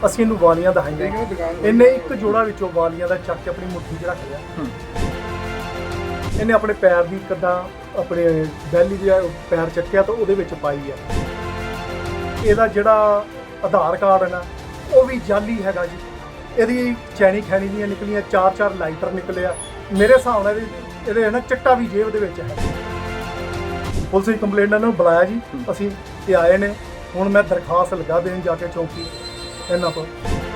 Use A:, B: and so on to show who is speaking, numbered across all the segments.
A: ਅਸੀਂ ਇਹਨੂੰ ਵਾਲੀਆਂ ਦਿਖਾਈਆਂ। ਇਹਨੇ ਇੱਕ ਜੋੜਾ ਵਿੱਚੋਂ ਵਾਲੀਆਂ ਦਾ ਚੱਕ ਕੇ ਆਪਣੀ ਮੁੱਠੀ 'ਚ ਰੱਖ ਲਿਆ। ਇਹਨੇ ਆਪਣੇ ਪੈਰ ਦੀ ਕਿੱਦਾਂ ਆਪਣੇ ਬੈਲੀ ਦੇ ਪੈਰ ਚੱਕਿਆ ਤਾਂ ਉਹਦੇ ਵਿੱਚ ਪਾਈ ਆ। ਇਹਦਾ ਜਿਹੜਾ ਆਧਾਰ ਕਾਰਡ ਹੈ ਨਾ ਉਹ ਵੀ ਜਾਲੀ ਹੈਗਾ ਜੀ। ਇਹਦੀ ਚੈਨੀ ਖੈਣੀ ਦੀਆਂ ਨਿਕਲੀਆਂ, 4-4 ਲਾਈਟਰ ਨਿਕਲੇ ਆ। ਮੇਰੇ ਹਿਸਾਬ ਨਾਲ ਇਹਦੇ ਨਾ ਚਿੱਟਾ ਵੀ ਜੇਬ ਦੇ ਵਿੱਚ ਹੈ। ਪੁਲਿਸ ਦੀ ਕੰਪਲੇਂਟ ਇਹਨਾਂ ਨੂੰ ਬੁਲਾਇਆ ਜੀ, ਅਸੀਂ ਇਹ ਆਏ ਨੇ। ਹੁਣ ਮੈਂ ਦਰਖਾਸਤ ਲਗਾ ਦੇਣ ਜਾ ਕੇ ਚੌਂਕੀ ਇਹਨਾਂ ਕੋਲ।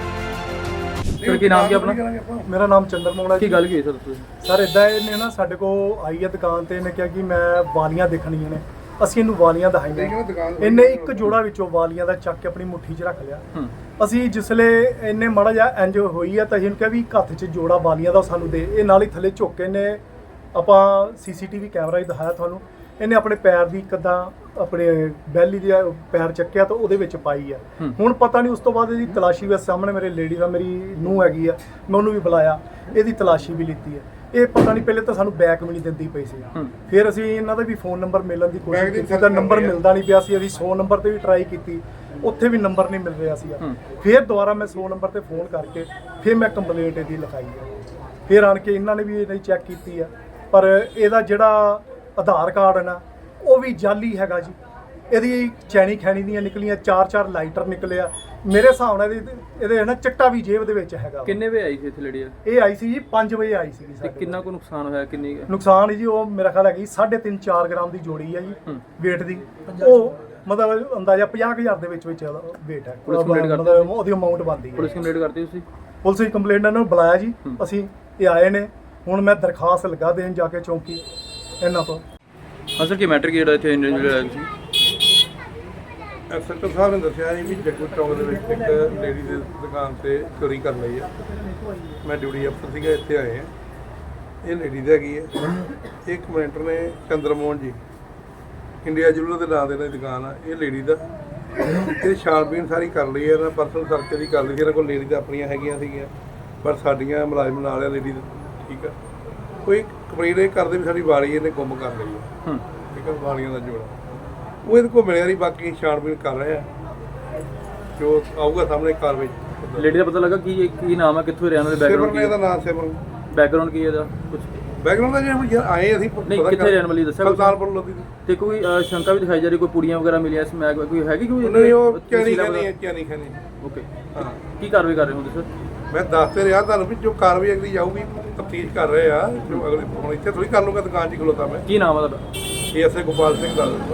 B: ਸਰ ਕੀ ਨਾਮ ਕੀ ਆਪਣਾ?
A: ਮੇਰਾ ਨਾਮ ਚੰਦਰ ਮੋਹਨ ਹੈ।
B: ਕੀ ਗੱਲ ਕੀ ਹੋਈ ਸਰ ਤੁਸੀਂ?
A: ਸਰ ਇਦਾਂ ਇਹਨੇ ਨਾ ਸਾਡੇ ਕੋਲ ਆਈ ਹੈ ਦੁਕਾਨ ਤੇ, ਇਹਨੇ ਕਿਹਾ ਕਿ ਮੈਂ ਵਾਲੀਆਂ ਦੇਖਣੀਆਂ ਨੇ। ਅਸੀਂ ਇਹਨੂੰ ਵਾਲੀਆਂ ਦਿਖਾਈਆਂ। ਇਹਨੇ ਇੱਕ ਜੋੜਾ ਵਿੱਚੋਂ ਵਾਲੀਆਂ ਦਾ ਚੱਕ ਕੇ ਆਪਣੀ ਮੁੱਠੀ 'ਚ ਰੱਖ ਲਿਆ। ਅਸੀਂ ਜਿਸਲੇ ਇਹਨੇ ਮਾੜਾ ਜਿਹਾ ਇੰਜ ਹੋਈ ਆ ਤਾਂ ਅਸੀਂ ਕਿਹਾ ਵੀ ਹੱਥ 'ਚ ਜੋੜਾ ਵਾਲੀਆਂ ਦਾ ਸਾਨੂੰ ਦੇ। ਇਹ ਨਾਲ ਹੀ ਥੱਲੇ ਝੁੱਕ ਕੇ ਨੇ ਆਪਾਂ CCTV ਕੈਮਰਾ ਹੀ ਦਿਖਾਇਆ ਤੁਹਾਨੂੰ। ਇਹਨੇ ਆਪਣੇ ਪੈਰ ਦੀ ਕਿੱਦਾਂ ਆਪਣੇ ਬੈਲੀ ਦੇ ਪੈਰ ਚੱਕਿਆ ਤਾਂ ਉਹਦੇ ਵਿੱਚ ਪਾਈ ਆ। ਹੁਣ ਪਤਾ ਨਹੀਂ ਉਸ ਤੋਂ ਬਾਅਦ ਇਹਦੀ ਤਲਾਸ਼ੀ ਵੀ ਸਾਹਮਣੇ ਮੇਰੇ ਲੇਡੀ ਦਾ ਮੇਰੀ ਨੂੰਹ ਹੈਗੀ ਆ, ਮੈਂ ਉਹਨੂੰ ਵੀ ਬੁਲਾਇਆ, ਇਹਦੀ ਤਲਾਸ਼ੀ ਵੀ ਲਿੱਤੀ ਹੈ। ਇਹ ਪਤਾ ਨਹੀਂ ਪਹਿਲੇ ਤਾਂ ਸਾਨੂੰ ਬੈਕ ਵੀ ਨਹੀਂ ਦਿੰਦੀ ਪਈ ਸੀ। ਫਿਰ ਅਸੀਂ ਇਹਨਾਂ ਦਾ ਵੀ ਫੋਨ ਨੰਬਰ ਮਿਲਣ ਦੀ ਕੋਸ਼ਿਸ਼ ਕੀਤੀ ਤਾਂ ਨੰਬਰ ਮਿਲਦਾ ਨਹੀਂ ਪਿਆ ਸੀ। ਅਸੀਂ 100 ਨੰਬਰ ਤੇ ਵੀ ਟਰਾਈ ਕੀਤੀ, ਉੱਥੇ ਵੀ ਨੰਬਰ ਨਹੀਂ ਮਿਲ ਰਿਹਾ ਸੀ। ਫਿਰ ਦੁਬਾਰਾ ਮੈਂ 100 ਨੰਬਰ ਤੇ ਫੋਨ ਕਰਕੇ ਫਿਰ ਮੈਂ ਕੰਪਲੇਂਟ ਇਹਦੀ ਲਿਖਾਈ ਹੈ। ਫਿਰ ਆਣ ਕੇ ਇਹਨਾਂ ਨੇ ਵੀ ਇਹਦੀ ਚੈੱਕ ਕੀਤੀ ਆ, ਪਰ ਇਹਦਾ ਜਿਹੜਾ ਆਧਾਰ ਕਾਰਡ ਹੈ ਨਾ ਉਹ ਵੀ ਜਾਲੀ ਹੈਗਾ ਜੀ। ਇਹਦੀ ਚੈਨੀ ਖੈਣੀ ਦੀਆਂ ਨਿਕਲੀਆਂ, 4-4 ਲਾਈਟਰ ਨਿਕਲੇ ਆ। ਮੇਰੇ ਹਿਸਾਬ ਨਾਲ ਇਹਦੇ ਨਾ ਚਿੱਟਾ ਵੀ ਜੇਬ ਦੇ ਵਿੱਚ ਹੈਗਾ।
B: ਕਿੰਨੇ ਵਜੇ ਆਈ ਸੀ ਇੱਥੇ ਲੜੀ?
A: ਇਹ ਆਈ ਸੀ ਜੀ 5 ਵਜੇ ਆਈ ਸੀ।
B: ਤੇ ਕਿੰਨਾ ਕੁ ਨੁਕਸਾਨ ਹੋਇਆ? ਕਿੰਨੀ
A: ਨੁਕਸਾਨ ਜੀ ਉਹ ਮੇਰਾ ਖਿਆਲ ਹੈਗੀ 3.5-4 ਗ੍ਰਾਮ ਦੀ ਜੋੜੀ ਹੈ ਜੀ weight ਦੀ। ਉਹ ਮਤਲਬ ਅੰਦਾਜ਼ਾ 50,000 ਦੇ ਵਿੱਚ weight ਹੈ। ਮਤਲਬ ਉਹਦੀ ਅਮਾਉਂਟ ਬਣਦੀ ਹੈ।
B: ਪੁਲਿਸ ਕੰਪਲੇਂਟ ਕਰਤੀ ਤੁਸੀਂ?
A: ਪੁਲਿਸ ਦੀ ਕੰਪਲੇਂਟ ਇਹਨਾਂ ਨੂੰ ਬੁਲਾਇਆ ਜੀ, ਅਸੀਂ ਇਹ ਆਏ ਨੇ। ਹੁਣ ਮੈਂ ਦਰਖਾਸਤ ਲਗਾ ਦੇਣ ਜਾ ਕੇ ਚੌਂਕੀ ਇਹਨਾਂ ਕੋਲ।
B: ਹਾਂ ਸਰ, ਕੀ ਮੈਟਰ ਕੀ ਜਿਹੜਾ ਇੱਥੇ ਇੰਜੀਨੀਅਰ ਆਇਆ ਸੀ?
C: ਐਸਐਚਓ ਸਾਹਿਬ ਨੇ ਦੱਸਿਆ ਜੀ ਵੀ ਜੱਗੂ ਚੌਂਕ ਦੇ ਵਿੱਚ ਇੱਕ ਲੇਡੀ ਦੀ ਦੁਕਾਨ ਤੇ ਚੋਰੀ ਕਰ ਲਈ ਆ। ਮੈਂ ਡਿਊਟੀ ਅਫਸਰ ਸੀਗਾ, ਇੱਥੇ ਆਏ ਆ। ਇਹ ਲੇਡੀ ਦੀ ਹੈਗੀ ਹੈ। ਇੱਕ ਕਮੈਂਟਰ ਨੇ ਚੰਦਰ ਮੋਹਨ ਜੀ, ਇੰਡੀਆ ਜੁਲਰ ਦੇ ਨਾਂ ਦੇ ਨਾਲ ਦੁਕਾਨ ਆ। ਇਹ ਲੇਡੀ ਦਾ ਇਹ ਛਾਣਬੀਣ ਸਾਰੀ ਕਰ ਲਈ ਹੈ। ਇਹਨਾਂ ਪਰਸਨਲ ਸਰਚ ਦੀ ਕਰ ਲਈ ਸੀ। ਇਹਨਾਂ ਕੋਲ ਲੇਡੀ ਦਾ ਆਪਣੀਆਂ ਹੈਗੀਆਂ ਸੀਗੀਆਂ, ਪਰ ਸਾਡੀਆਂ ਮੁਲਾਜ਼ਮ ਨਾਲ ਆ ਲੇਡੀ ਦਾ। ਠੀਕ ਆ, ਕੋਈ ਕੰਪਲੇਂਟ ਇਹ ਕਰਦੇ ਵੀ ਸਾਡੀ ਵਾਲੀ ਇਹਨੇ ਗੁੰਮ ਕਰ ਲਈ ਹੈ। ਠੀਕ ਆ, ਵਾਲੀਆਂ ਦਾ ਜੋੜਾ ਉਹ ਇਹਦੇ ਕੋਲ ਮਿਲਿਆ ਨਹੀਂ। ਬਾਕੀ ਛਾਣਬੀਣ ਕਰ ਰਹੇ ਆ, ਜੋ ਆਊਗਾ ਸਾਹਮਣੇ ਕਾਰਵਾਈ।
B: ਲੇਡੀ ਦਾ ਪਤਾ ਲੱਗਾ ਕੀ ਨਾਮ ਹੈ, ਕਿੱਥੋਂ ਰਹਿਣ ਵਾਲੇ?
C: ਸਿਮਰਨ ਇਹਦਾ ਨਾਮ ਸਿਮਰਨ।
B: ਬੈਕਗ੍ਰਾਉਂਡ ਕੀ ਹੈ ਇਹਦਾ? ਕੁਝ
C: ਬੈਕਗ੍ਰਾਉਂਡ ਦਾ ਜਿਹੜਾ ਆਏ ਅਸੀਂ
B: ਨਹੀਂ, ਕਿੱਥੇ ਰਹਿਣ ਵਾਲੀ ਦੱਸਿਆ?
C: ਸੁਲਤਾਨਪੁਰ ਲੋਧੀ ਦੀ।
B: ਤੇ ਕੋਈ ਸ਼ੰਕਾ ਵੀ ਦਿਖਾਈ ਜਾ ਰਹੀ, ਕੋਈ ਪੁੜੀਆਂ ਵਗੈਰਾ ਮਿਲੀਆਂ ਸਮੈਕ ਕੋਈ ਹੈਗੀ? ਕੋਈ
C: ਨਹੀਂ, ਉਹ ਚੈਨੀ ਖਾਨੀ।
B: ਓਕੇ,
C: ਹਾਂ।
B: ਕੀ ਕਾਰਵਾਈ ਕਰ ਰਹੇ ਹੋ ਤੁਸੀਂ?
C: ਮੈਂ ਦੱਸ ਤੇ ਰਿਹਾ ਤੁਹਾਨੂੰ ਵੀ ਜੋ ਕਾਰਵਾਈ ਅਗਲੀ ਜਾਊਗੀ, ਤਫਤੀਸ਼ ਕਰ ਰਹੇ ਆ। ਜੋ ਅਗਲੇ ਹੁਣ ਇੱਥੇ ਥੋੜੀ ਕਰ ਲੂੰਗਾ, ਦੁਕਾਨ 'ਚ ਖਲੋਤਾ ਮੈਂ।
B: ਕੀ ਨਾਮ ਹੈ ਤੁਹਾਡਾ?
C: ASI ਗੋਪਾਲ ਸਿੰਘ ਦਾ।